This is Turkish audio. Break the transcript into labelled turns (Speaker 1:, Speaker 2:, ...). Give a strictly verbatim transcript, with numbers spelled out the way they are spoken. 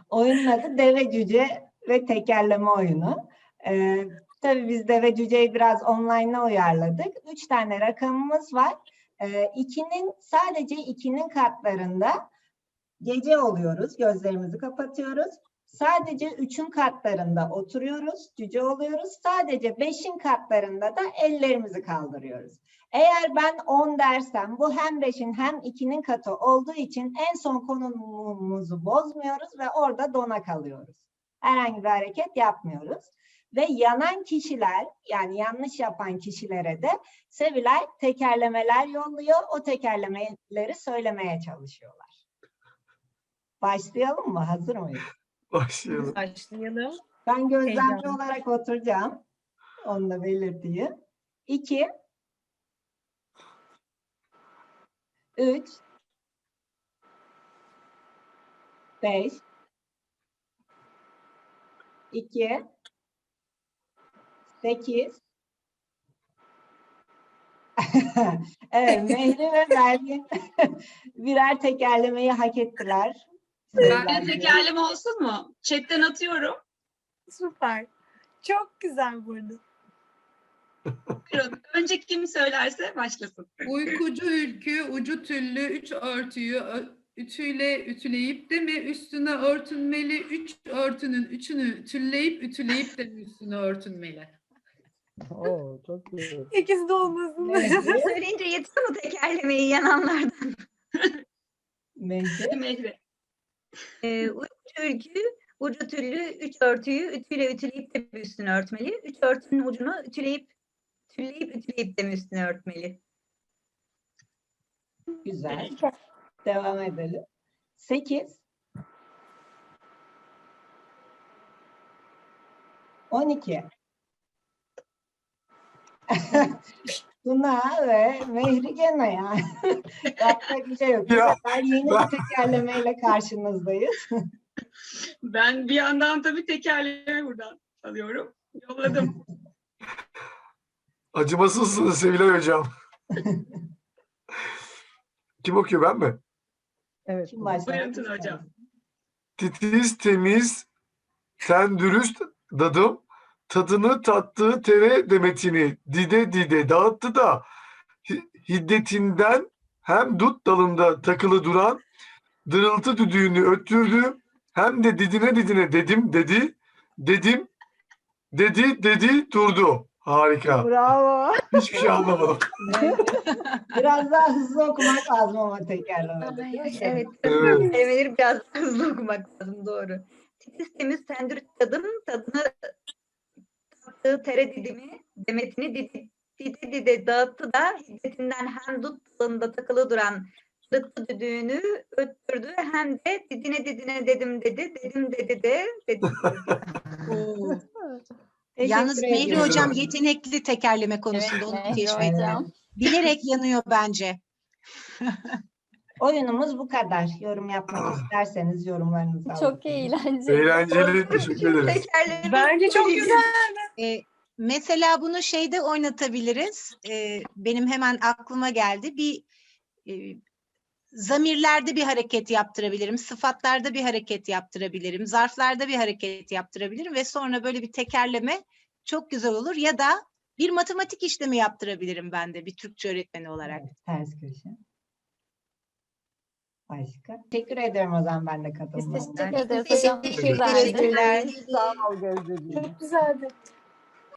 Speaker 1: Oyunun adı Deve Cüce ve Tekerleme Oyunu. Ee, tabii biz Deve Cüce'yi biraz online'a uyarladık. Üç tane rakamımız var. Ee, ikinin, sadece ikinin katlarında gece oluyoruz, gözlerimizi kapatıyoruz. Sadece üçün katlarında oturuyoruz, cüce oluyoruz. Sadece beşin katlarında da ellerimizi kaldırıyoruz. Eğer ben on dersem, bu hem beşin hem ikinin katı olduğu için en son konumumuzu bozmuyoruz ve orada dona kalıyoruz. Herhangi bir hareket yapmıyoruz. Ve yanan kişiler, yani yanlış yapan kişilere de Sevilay tekerlemeler yolluyor. O tekerlemeleri söylemeye çalışıyorlar. Başlayalım mı? Hazır mıyız?
Speaker 2: Başlayalım.
Speaker 3: Başlayalım.
Speaker 1: Ben gözlemci
Speaker 3: Heyecanlı.
Speaker 1: olarak oturacağım. Onu da belirteyim. İki. Üç. Beş. İki. Sekiz. Evet, Mehri ve Belgin birer tekerlemeyi hak ettiler.
Speaker 4: Ben de tekerleme olsun mu? Chat'ten atıyorum.
Speaker 3: Süper. Çok güzel burada.
Speaker 4: Buyurun. Önce kim söylerse başlasın.
Speaker 5: Uykucu ülkü, ucu tüllü, üç örtüyü ö- ütüyle ütüleyip de mi üstüne örtünmeli, üç örtünün üçünü tülleyip ütüleyip de mi üstüne örtünmeli?
Speaker 6: Oo, çok güzel.
Speaker 3: İkisi de olmasın.
Speaker 1: Mehri,
Speaker 7: Söyleyince yetiyor mu tekerlemeyi yananlardan?
Speaker 1: Mehri.
Speaker 4: Mehri.
Speaker 7: Ee, uykucu ülkü, ucu tüllü, üç örtüyü ütüyle ütüleyip de mi üstüne örtmeli? Üç örtünün ucunu ütüleyip, tülleyip ütüleyip de mi üstüne örtmeli?
Speaker 1: Güzel. Devam edelim. Sekiz. On iki. Tuna ve Mehri gene yani. Yapacak bir şey yok. Bu
Speaker 2: Ya,
Speaker 1: sefer yeni
Speaker 2: ben-
Speaker 1: bir tekerlemeyle karşınızdayız.
Speaker 4: Ben bir yandan tabii tekerleme buradan alıyorum. Yolladım.
Speaker 2: Acımasızsınız Sevilay Hocam. Kim okuyor, ben mi?
Speaker 6: Evet.
Speaker 1: Kim başlamak
Speaker 4: Buyurun Tuna
Speaker 1: ister?
Speaker 4: hocam.
Speaker 2: Titiz, temiz, sen dürüst dadım, tadını tattığı tere demetini dide dide dağıttı da hi- hiddetinden hem dut dalında takılı duran dırıltı düdüğünü öttürdü, hem de didine didine dedim dedi, dedim, dedi dedi durdu. Harika.
Speaker 3: Bravo.
Speaker 2: Hiçbir şey anlamadım.
Speaker 1: Mehri, biraz daha hızlı okumak lazım ama tekerlemede. değil mi?
Speaker 7: Evet,
Speaker 2: Evet.
Speaker 7: kelimeleri biraz hızlı okumak lazım, doğru. Titiz temiz tendür tadım, tadını tattığı tere didimi, demetini didi, dide dide dağıttı da hiddetinden hem dut dalında takılı duran lıttı düdüğünü öttürdü, hem de didine didine dedim dedi, dedim dedi de dedi.
Speaker 1: Teşekkür
Speaker 8: Yalnız Mehri
Speaker 1: ediyorum.
Speaker 8: Hocam yetenekli tekerleme konusunda, onu
Speaker 3: Mehri
Speaker 8: teşvik
Speaker 1: Evet.
Speaker 8: ederim. Bilerek yanıyor bence.
Speaker 1: Oyunumuz bu kadar. Yorum yapmak isterseniz yorumlarınızı alalım.
Speaker 9: Çok eğlenceli.
Speaker 2: Eğlenceli. Teşekkür ederiz.
Speaker 7: Tekerleme
Speaker 3: Bence çok güzel.
Speaker 8: Ee, mesela bunu şeyde oynatabiliriz. Ee, benim hemen aklıma geldi. Bir e, zamirlerde bir hareket yaptırabilirim. Sıfatlarda bir hareket yaptırabilirim. Zarflarda bir hareket yaptırabilirim ve sonra böyle bir tekerleme çok güzel olur. Ya da bir matematik işlemi yaptırabilirim ben de bir Türkçe öğretmeni olarak.
Speaker 1: Evet, ters köşe. Başka? Teşekkür ederim o zaman ben de
Speaker 9: Biz
Speaker 1: katılmam.
Speaker 9: teşekkür ederiz hocam.
Speaker 7: Teşekkür
Speaker 9: Güzeldi.
Speaker 7: ederim.
Speaker 6: Sağ ol Gözdeciğim.
Speaker 3: Çok güzeldi.